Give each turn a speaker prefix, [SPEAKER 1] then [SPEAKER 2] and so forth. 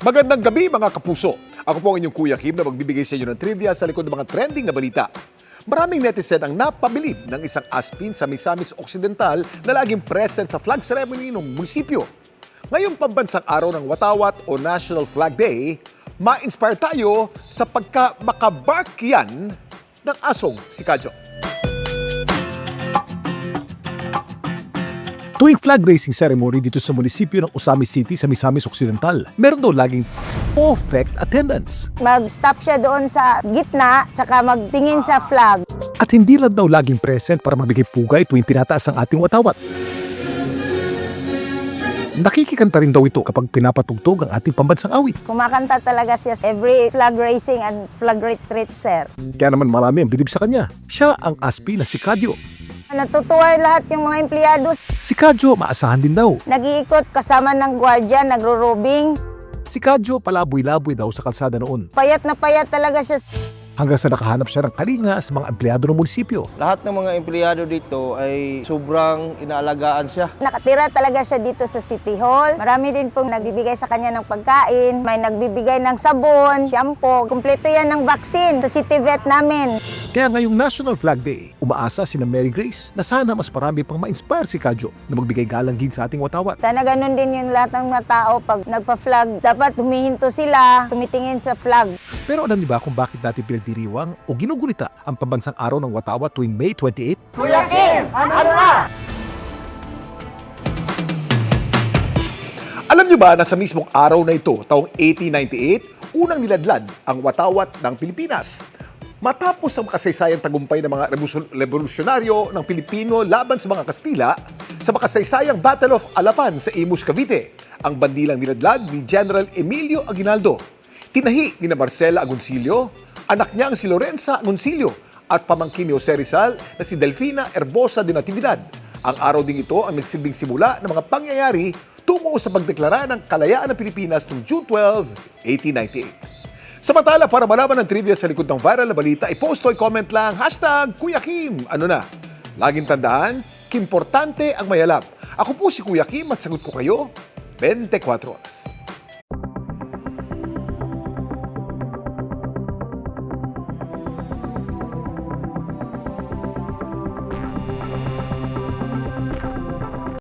[SPEAKER 1] Magandang gabi mga kapuso. Ako po ang inyong Kuya Kim na magbibigay sa inyo ng trivia sa likod ng mga trending na balita. Maraming netizen ang napabilib ng isang aspin sa Misamis Occidental na laging present sa flag ceremony ng munisipyo. Ngayong pambansang araw ng Watawat o National Flag Day, ma-inspire tayo sa pagka-makabark yan ng asong si Kadyo. Tuwing flag raising ceremony dito sa munisipyo ng Osamis City sa Misamis Occidental, meron daw laging perfect attendance.
[SPEAKER 2] Mag-stop siya doon sa gitna, tsaka magtingin sa flag.
[SPEAKER 1] At hindi lang daw laging present para magbigay pugay tuwing tinataas ang ating watawat. Nakikikanta rin daw ito kapag pinapatugtog ang ating pambansang awit.
[SPEAKER 2] Kumakanta talaga siya every flag raising and flag retreat, sir.
[SPEAKER 1] Kaya naman marami ang bilib sa kanya. Siya ang aspi na si Kadyo.
[SPEAKER 2] Natutuwa lahat yung mga empleyado.
[SPEAKER 1] Si Kadyo maasahan din daw.
[SPEAKER 2] Nag-iikot kasama ng gwardiya, nagro-robing.
[SPEAKER 1] Si Kadyo palaboy-laboy daw sa kalsada noon.
[SPEAKER 2] Payat na payat talaga siya.
[SPEAKER 1] Hanggang sa nakahanap siya ng kalinga sa mga empleyado ng munisipyo.
[SPEAKER 3] Lahat ng mga empleyado dito ay sobrang inaalagaan siya.
[SPEAKER 2] Nakatira talaga siya dito sa City Hall. Marami din pong nagbibigay sa kanya ng pagkain. May nagbibigay ng sabon, shampoo. Kumpleto yan ng vaccine sa City Vet namin.
[SPEAKER 1] Kaya ngayong National Flag Day, umaasa sina Mary Grace na sana mas marami pang ma-inspire si Kadyo na magbigay galanggin sa ating watawat.
[SPEAKER 2] Sana ganun din yung lahat ng mga tao pag nagpa-flag. Dapat humihinto sila, tumitingin sa flag.
[SPEAKER 1] Pero alam niyo ba kung bakit natin pinagdiriwang o ginugulita ang pambansang araw ng watawat tuwing May 28?
[SPEAKER 2] Kuya Kim, ano na?
[SPEAKER 1] Alam niyo ba na sa mismong araw na ito, taong 1898, unang niladlad ang watawat ng Pilipinas? Matapos ang makasaysayang tagumpay ng mga revolusyonaryo ng Pilipino laban sa mga Kastila sa makasaysayang Battle of Alapan sa Imus, Cavite, ang bandilang niladlad ni General Emilio Aguinaldo. Tinahi ni Marcela Agoncillo, anak niyang si Lorenza Agoncillo at pamangkin ni Jose Rizal na si Delfina Herbosa de Natividad. Ang araw ding ito ang nagsilbing simula ng mga pangyayari tungo sa pagdeklara ng kalayaan ng Pilipinas noong June 12, 1898. Samantala, para malaman ng trivia sa likod ng viral na balita, i-post o i-comment lang, #Kuya Kim. Ano na? Laging tandaan, kimportante ang mayalab. Ako po si Kuya Kim at sagot ko kayo 24 oras.